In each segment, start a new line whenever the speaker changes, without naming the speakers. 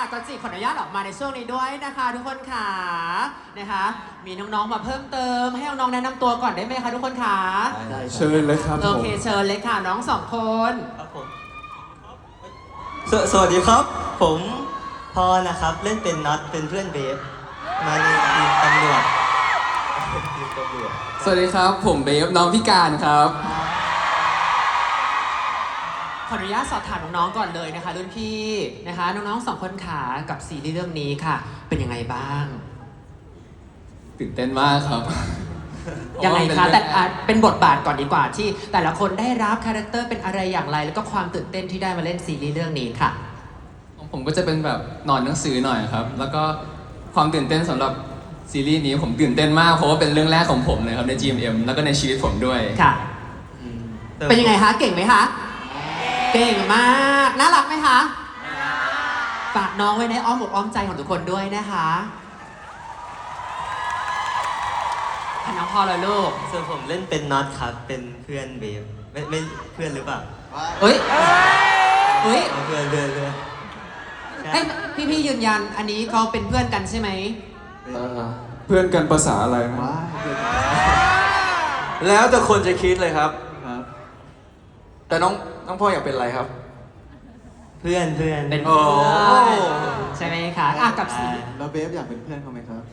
จันจิขออนุญาตออกมาในช่วงนี้ด้วยนะคะทุกคนค่ะนะคะมีน้องๆมาเพิ่มเติมให้น้องๆแนะนำตัวก่อนได้ไหมคะทุกคนค่ะ
เชิญเลยครับ
โอเคเชิญเลยค่ะน้องสองคน
ครับผมสวัสดีครับ ผมพอนะครับเล่นเป็นน็อตเป็นเพื่อนเบฟมาในทีมตำรวจ
สวัสดีครับผมเบฟน้องพิการครับ
ขออนุญาตสอบถามน้องๆก่อนเลยนะคะรุ่นพี่นะคะน้องๆสองคนขากับซีรีส์เรื่องนี้ค่ะเป็นยังไงบ้าง
ตื่นเต้นมากครับ
ยังไงคะแต่เป็นบทบาทก่อนดีกว่าที่แต่ละคนได้รับคาแรคเตอร์เป็นอะไรอย่างไรแล้วก็ความตื่นเต้นที่ได้มาเล่นซีรีส์เรื่องนี้ค่ะ
ผมก็จะเป็นแบบนอนหนังสือหน่อยครับแล้วก็ความตื่นเต้นสำหรับซีรีส์นี้ผมตื่นเต้นมากเพราะว่าเป็นเรื่องแรกของผมเลยครับใน GMM แล้วก็ในชีวิตผมด้วย
ค่ะเป็นยังไงคะเก่งไหมคะเก่งมากน่ารักไหมคะฝากน้องไว้ในอ้อมอกอ้อมใจของทุกคนด้วยนะคะน้องพอเลยลูก
ส่วนผมเล่นเป็นน็อตครับเป็นเพื่อนเบฟไม่เพื่อนหรือเปล่า
เฮ้ย
เพื่อน
พี่ยืนยันอันนี้เขาเป็นเพื่อนกันใช่ไหม
เพื่อนกันภาษาอะไรนะ
แล้วแต่คนจะคิดเลยครับแต่น้องพ่ออยากเป็นอะไรครับ
เพื่อน
เป็นเพื่อนใช่ไหมคะกับสี
แล้วเบฟอยากเป็นเพื่อนเขาไหมครับ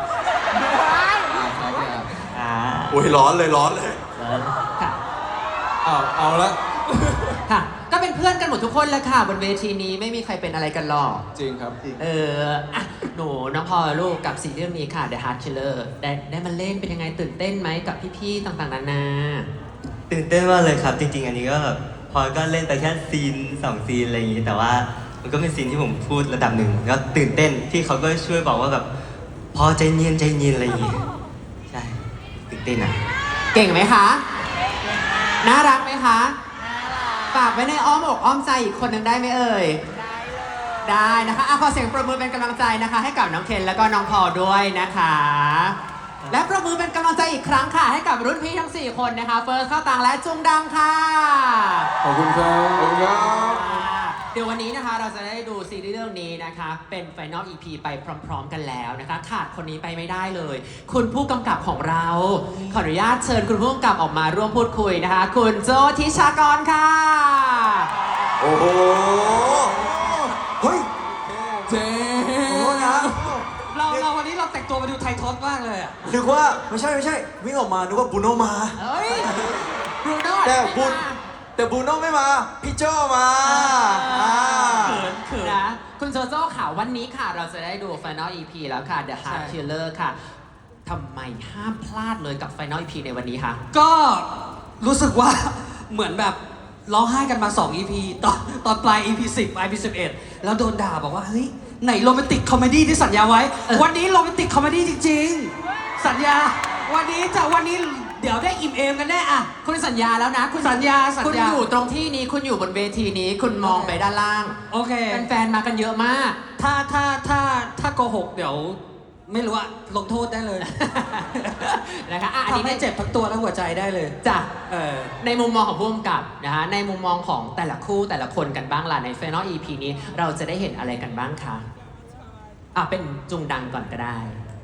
โอ้ยร้อนเลย
ค่ะ
เอาละ
ค่ะก็เป็นเพื่อนกันหมดทุกคนแล้วค่ะบนเวทีนี้ไม่มีใครเป็นอะไรกันหรอก
จริงครับ
หนูน้องพอลูกกับซีรีส์เรื่องนี้ค่ะ The Heart Killer ได้มาเล่นเป็นยังไงตื่นเต้นไหมกับพี่ๆต่างๆนานา
ตื่นเต้นมากเลยครับจริงๆอันนี้ก็แบบพอก็เล่นไปแค่ซีน2ซีนอะไรอย่างนี้แต่ว่ามันก็เป็นซีนที่ผมพูดระดับหนึ่งก็ตื่นเต้นที่เขาก็ช่วยบอกว่าแบบพอใจเย็นอะไรอย่างนี้ใช่ตื่นเต้นอ่ะ
เก่งไหมคะน่ารักไหมคะฝากไว้ในอ้อมอกอ้อมใจอีกคนหนึ่งได้ไหมเอ่ยได้นะคะขอเสียงปรบมือเป็นกำลังใจนะคะให้กับน้องเคนแล้วก็น้องพอด้วยนะคะและปรบมือเป็นกำลังใจอีกครั้งค่ะให้กับรุ่นพี่ทั้ง4คนนะคะเฟิร์สเข้าตังและจุงดังค่ะ
ขอบคุณครับ
เดี๋ยววันนี้นะคะเราจะได้ดูซีรีส์เรื่องนี้นะคะเป็น Final EP ไปพร้อมๆกันแล้วนะคะขาดคนนี้ไปไม่ได้เลยคุณผู้กำกับของเราขออนุญาตเชิญคุณผู้กำกับออกมาร่วมพูดคุยนะคะคุณโจทิชากรค่ะ
โอ้โหเฮ้ย
เจ๋
งนะ
เราวันนี้เราแต่งตัวมาดูไททอสมากเลย
นึกว่าไม่ใช่วิ่งออกมานึกว่าบูโน่มา
บรูโน่
แต่บูโน่ไม่มาพี่โจมา
เขินนะคุณโจโจ้ค่ะวันนี้ค่ะเราจะได้ดู Final EP แล้วค่ะ The Heart Killer ค่ะทำไมห้ามพลาดเลยกับ Final EP ในวันนี้คะ
ก็รู้สึกว่าเหมือนแบบร้องไห้กันมา2 EP ตอนปลาย EP 10 EP 11แล้วโดนด่าบอกว่าเฮ้ยไหนโรแมนติกคอมเมดี้ที่สัญญาไว้วันนี้โรแมนติกคอมเมดี้จริงๆสัญญาวันนี้เดี๋ยวได้อิ่มเอมกันแน่อะ
คุณสัญญาแล้วนะ
คุณสัญญา
คุณอยู่ตรงที่นี้คุณอยู่บนเวทีนี้คุณมองไปด้านล่าง
โอเค
แฟนๆมากันเยอะมาก
ถ้าโกหกเดี๋ยวไม่รู้อะลงโทษได้เลย
นะคะ
อันนี้ไม่เจ็บทั้งตัวและหัวใจได้เลย
จ้ะในมุมมองของผู้กำกับนะคะในมุมมองของแต่ละคู่แต่ละคนกันบ้างล่ะใน Final EP นี้เราจะได้เห็นอะไรกันบ้างคะเป็นจุงดังก่อนก็ได้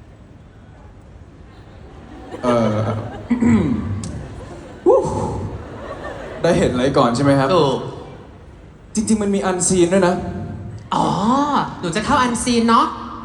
ได้เห็นอะไรก่อนใช่ไหมครับ
ถูก
จริงๆมันมีอันซีนด้วยนะ
หนูจะเข้าอันซีนเนาะ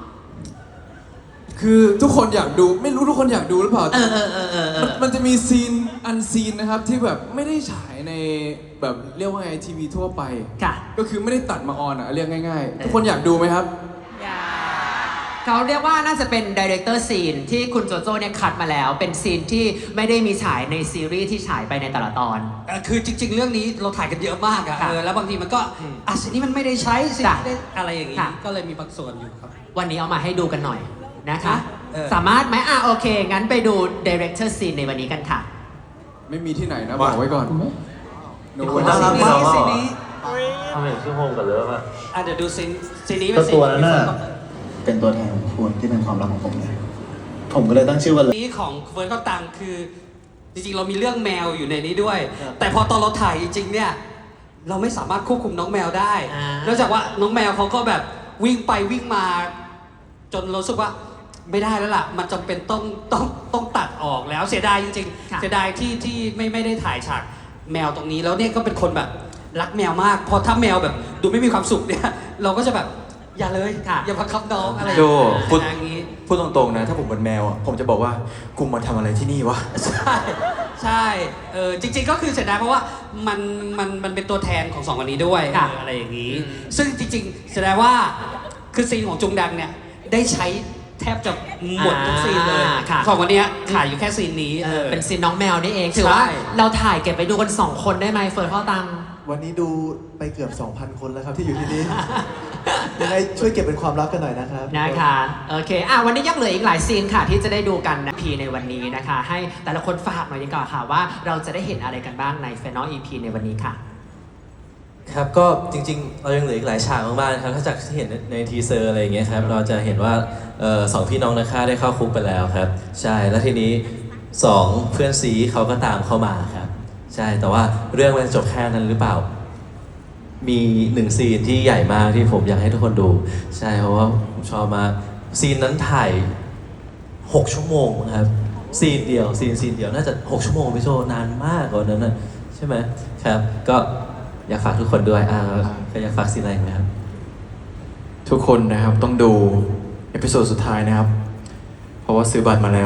คือทุกคนอยากดูไม่รู้ทุกคนอยากดูหรือเปล่ามันจะมีซีนอันซีนนะครับที่แบบไม่ได้ฉายในแบบเรียกว่าไงทีวีทั่วไปก็คือไม่ได้ตัดมาออนเรียกง่ายๆทุกคนอยากดูไหมครับ
เขาเรียกว่าน่าจะเป็นดีเรคเตอร์ซีนที่คุณโจโจ้เนี่ยคัดมาแล้วเป็นซีนที่ไม่ได้มีฉายในซีรีส์ที่ฉายไปในแต่ละตอน
คือจริงๆเรื่องนี้เราถ่ายกันเยอะมากอะแล้วบางทีมันก็สิ่งนี้มันไม่ได้ใช้สิ่งนี้ได้อะไรอย่างนี้ก็เลยมีบางส่วนอยู่ครับ
วันนี้เอามาให้ดูกันหน่อยนะคะสามารถไหมโอเคงั้นไปดูดีเรคเตอร์ซีนในวันนี้กันค่ะ
ไม่มีที่ไหนนะบอกไว้ก่อน
คุณน่ารักมาก
ซีนนี้
ทำไมชื่อโฮมกันเลยป่ะ
เดี๋ยวดูซีนนี้เป็นซีน
ตัวนั้นน่ะเป็นตัวแทนของคุณที่เป็นความรักของผมเนี่ยผมก็เลยตั้งชื่อว่า
นี้ของเฟิร์นก็ตังคือจริงๆเรามีเรื่องแมวอยู่ในนี้ด้วยแต่พอตอนเราถ่ายจริงๆเนี่ยเราไม่สามารถควบคุมน้องแมวได้นอกจากว่าน้องแมวเขาก็แบบวิ่งไปวิ่งมา จนรู้สึกว่าไม่ได้แล้วล่ะ มันจำเป็นต้องตัดออกแล้วเสียดายจริง
ค่ะ
ๆเสียดายที่ไม่ได้ถ่ายฉากแมวตรงนี้แล้วเนี่ยก็เป็นคนแบบรักแมวมากพอถ้าแมวแบบดูไม่มีความสุขเนี่ย เราก็จะแบบอย่าเลยอย่าบังคับน้องอะไร
โจพูด
อย่างนี้
พูดตรงๆนะ ถ้าผมเป็นแมวอะผมจะบอกว่ากูมาทำอะไรที่นี่วะ
ใช่จริงๆก็คือเสียดายเพราะว่ามันเป็นตัวแทนของสองคนนี้ด้วย
ค่ะ
อะไรอย่างนี้ ซึ่งจริงๆเสียดายว่าคือซีนของจุงดังเนี่ยได้ใช้แทบจะหมดทุกซีนเลย
ค่ะ
สองคนเนี้ยขาดอยู่แค่ซีนนี้
เป็นซีนน้องแมวนี่เองถือว่า
ใช่
เราถ่ายเก็บไปดูกัน 2 คนได้ไหมเฟิร์นพ่อตัง
วันนี้ดูไปเกือบ 2,000 คนแล้วครับที่อยู่ที่นี่ ยังไงช่วยเก็บเป็นความลับกันหน่อยนะครับ
นะคะโอเควันนี้ยังเหลืออีกหลายซีนค่ะที่จะได้ดูกันนะพีในวันนี้นะคะ ให้แต่ละคนฝากหน่อยดีกว่าค่ะว่าเราจะได้เห็นอะไรกันบ้างใน Final EP ในวันนี้ค่ะ
ครับก็จริงๆ เรายังเหลืออีกหลายฉากมากๆครับถ้าจากที่เห็นในทีเซอร์อะไรอย่างเงี้ยครับเราจะเห็นว่าสองพี่น้องนะคะได้เข้าคุกไปแล้วครับ ใช่แล้วทีนี้สองเพื่อนซีเขาก็ตามเข้ามาครับ ใช่แต่ว่าเรื่องมันจบแค่นั้นหรือเปล่า มีหนึ่งซีนที่ใหญ่มากที่ผมอยากให้ทุกคนดู ใช่เพราะว่าผมชอบมากซีนนั้นถ่าย 6 ชั่วโมงครับซีนเดียวซีนเดียวน่าจะ 6 ชั่วโมงพี่โจนานมากกว่านั้นนะใช่ไหมครับก็อยากฝากทุกคนด้วยก็อยากฝากซีนอะไรไหมครับ
ทุกคนนะครับต้องดูเอพิโซดสุดท้ายนะครับ เพราะว่าซื้อบัตรมาแล้ว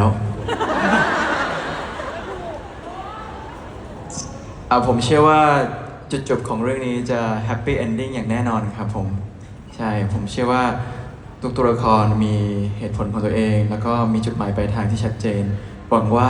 ผมเชื่อว่าจุดจบของเรื่องนี้จะแฮปปี้เอนดิ้งอย่างแน่นอนครับผม ใช่ ผมเชื่อว่าทุกตัวละครมีเหตุผลของตัวเอง แล้วก็มีจุดหมายปลายทางที่ชัดเจน หวังว่า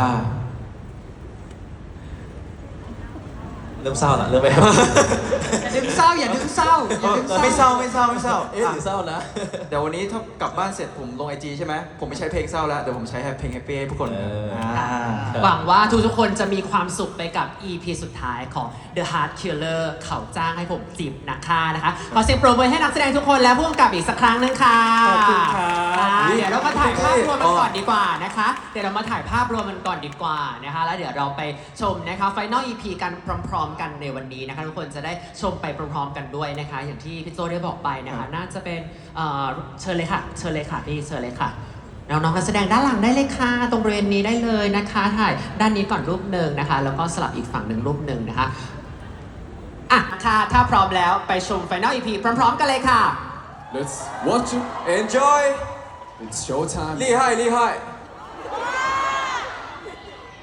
เริ่มเศร้าละเริ่มไม่ครับ
อย่าดึงเศร้าอย่าดึงเศร้าอย่าดึงเศร้า
ไม่เศร้าไม่เศร้าไม่เศร้า
เอ๊ะหรือเศร้านะ
เดี๋ยววันนี้ถ้ากลับบ้านเสร็จผมลงไอจีใช่ไหม ผมไม่ใช้เพลงเศร้าแล้ว เดี๋ยวผมใช้เพลงแฮปปี้ให้ทุกคน
หวังว่าทุกๆคนจะมีความสุขไปกับ EP สุดท้ายของ The Heart Killer เขาจ้างให้ผมจีบนะคะขอเสียงปรบมือให้นักแสดงทุกคนและผู้กำกับอีกสักครั้งหนึงค่ะ
ขอบคุณครับ
เดี๋ยวเรามาถ่ายภาพรวมกันก่อนดีกว่านะคะ เดี๋ยวเรามาถ่ายภาพรวมกันก่อนดีกว่านะคะ แล้วเดี๋ยวเราไปชมนะคะ Final EP กันพร้อมๆกันในวันนี้นะคะทุกคนจะได้ชมไปพร้อมๆกันด้วยนะคะ อย่างที่พี่โจได้บอกไปนะคะ น่าจะเป็นเชิญเลยค่ะพี่เชิญเลยค่ะ น้องๆนักแสดงด้านหลังได้เลยค่ะตรงบริเวณนี้ได้เลยนะคะถ่ายด้านนี้ก่อนรูปหนึ่งนะคะ แล้วก็สลับอีกฝั่งหนึ่งรูปหนึ่งนะคะค่ะถ้าพร้อมแล้วไปชม Final EP พร้อมๆกันเลยค่ะ
Let's watch it
Enjoy
it's show time
厉害厉害